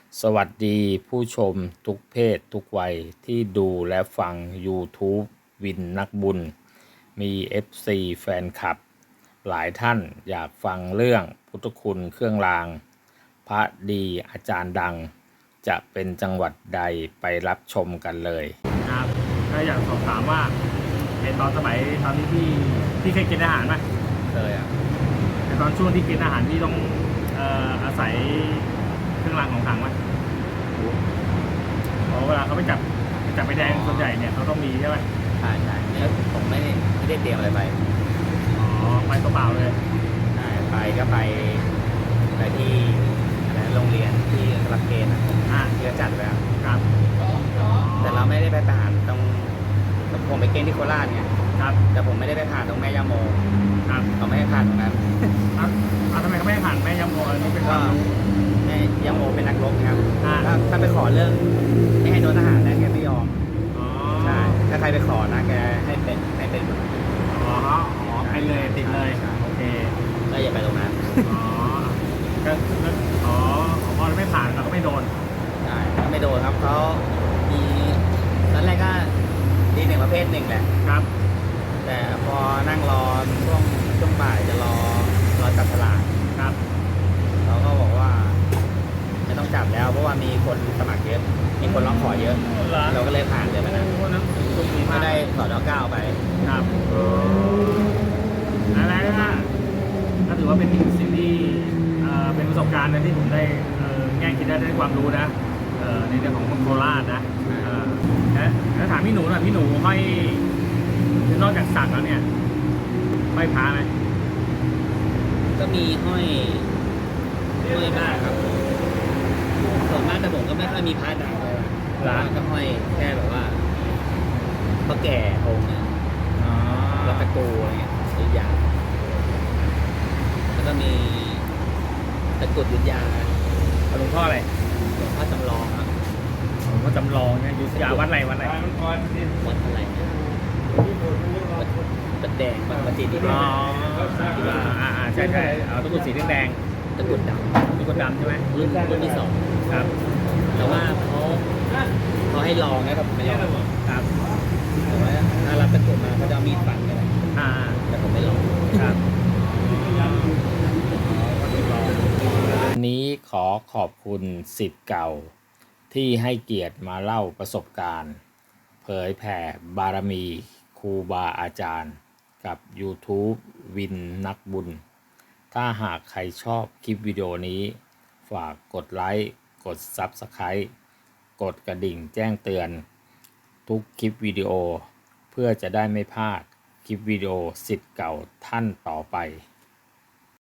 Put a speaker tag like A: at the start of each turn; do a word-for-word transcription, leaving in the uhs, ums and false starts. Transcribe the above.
A: สวัสดีผู้ชมทุกเพศทุกวัยที่ดูและฟัง YouTube วินนักบุญ มี เอฟ ซี แฟนคลับ หลายท่านอยากฟังเรื่องพุทธคุณเครื่องราง พระดีอาจารย์ดัง จะเป็นจังหวัดใดไปรับชมกันเลย
B: ครับก็อยากสอบถามว่าในตอนสมัยตอนนี้พี่พี่เคยกินอาหารไหม
A: เคยอ่ะ
B: ในตอนช่วงที่กินอาหารพี่ต้องเอ่ออาศัยเครื่องรางของขลังไหมเพราะเวลาเขาไปจับไปจับไปแดงส่วนใหญ่เนี่ยเขาต้องมีใช่ไหม
A: ใช่ใช่แล้วผมไม่ได้ไม่ได้เตรียมอะไรไป
B: อ๋อไปตัวเปล่าเลย
A: ใช่ไปก็ไปไปที่อะไรโรงเรียนที่รับเกณฑ์อ่ะที่เขาจัดไว้
B: ครับ
A: แต่เราไม่ได้ไปผ่านตรงผมไปเกณฑ์ที่โคราชไง
B: ครับ
A: แต่ผมไม่ได้ไปผ่านตรงแม่ย่าโม
B: ครับ
A: เขาไม่ให้ผ่านตรงนั้น
B: ครับทำไมเขาไม่ให้ผ่านแม่ย่าโมอันนี้เป็น
A: ก็
B: ความรู้
A: แม่ย่าโมเป็นนักรบครับ
B: ถ้า
A: ถ้าไปขอเรื่องไม่ให้โดนทหารนะแกไม่ยอม
B: อ๋อ
A: ใช่ถ้าใครไปขอนะแกให้เป็นให้เป็น
B: อ๋ออ๋อไปเลยติดเลยโอเค
A: ก็อย่าไปตรงนั้น
B: อ๋อก็อ๋อพอไม่ผ่านเราก็ไม่โดน
A: ใช่ก็ไม่โดนครับเขามีตอนแรกก็ดีหนึ่งประเภทหนึ่งแหละ
B: ครับ
A: แต่พอนั่งรอช่วงช่วงบ่ายจะรอรอจับฉลาก
B: ครับ
A: เขาก็บอกว่าไม่ต้องจับแล้วเพราะว่ามีคนสมัครเยอะมีคนร้องขอเยอะเราก็เลยผ่านเลยมานะไม่ได้สอดอเก้าไป
B: ครับอะไรนะก็ถือว่าเป็นสิ่งที่เป็นประสบการณ์นะที่ผมได้แง่คิดได้ได้ความรู้นะในเรื่องของคนโคราชนะแล้วถามพี่หนูหน่อยพี่หนูห้อยนอกจากสักแล้วเนี่ยห้อยพระไหม
A: ก็มีห้อยห้อยบ้างครับส่วนมากแต่ผมก็ไม่ค่อยมีพระดังเลยร้านก็ห้อยแค่แบบว่าพระแก่องค์เนี่ยวัดตะกูอะไรเงี้ยยุทธยาแล้วก็มีตะกุดยุทธยา
B: หลวงพ่ออะไร
A: หลวงพ่อจำลองครับ
B: หลวงพ่อจำลองเนี่ยยุทธยาวัดอะไรวัดอะไร
A: วัดอะไรวัดแดงวัดปฏิทิน
B: อ๋ออ่าใช่ใช่เอาตะกุดสีแดง
A: ตะกุดดำ
B: ตะกุดดำใช่ไหม
A: รุ่นรุ่นที่สอง
B: ครับ
A: แต่ว่าเขาเขาให้ลองนะครับไม่ลอง
B: ครับ
A: แต่ว่าถ้ารับตะกุดมาเขาจะเอามีดฟันกัน
B: อ่า
A: แต่ผมไม่ลอง
B: ครับ
A: วันนี้ขอขอบคุณศิษย์เก่าที่ให้เกียรติมาเล่าประสบการณ์เผยแผ่บารมีครูบาอาจารย์กับ YouTube วินนักบุญถ้าหากใครชอบคลิปวิดีโอนี้ฝากกดไลค์กด ซับสไครบ์ กดกระดิ่งแจ้งเตือนทุกคลิปวิดีโอเพื่อจะได้ไม่พลาดคลิปวิดีโอศิษย์เก่าท่านต่อไป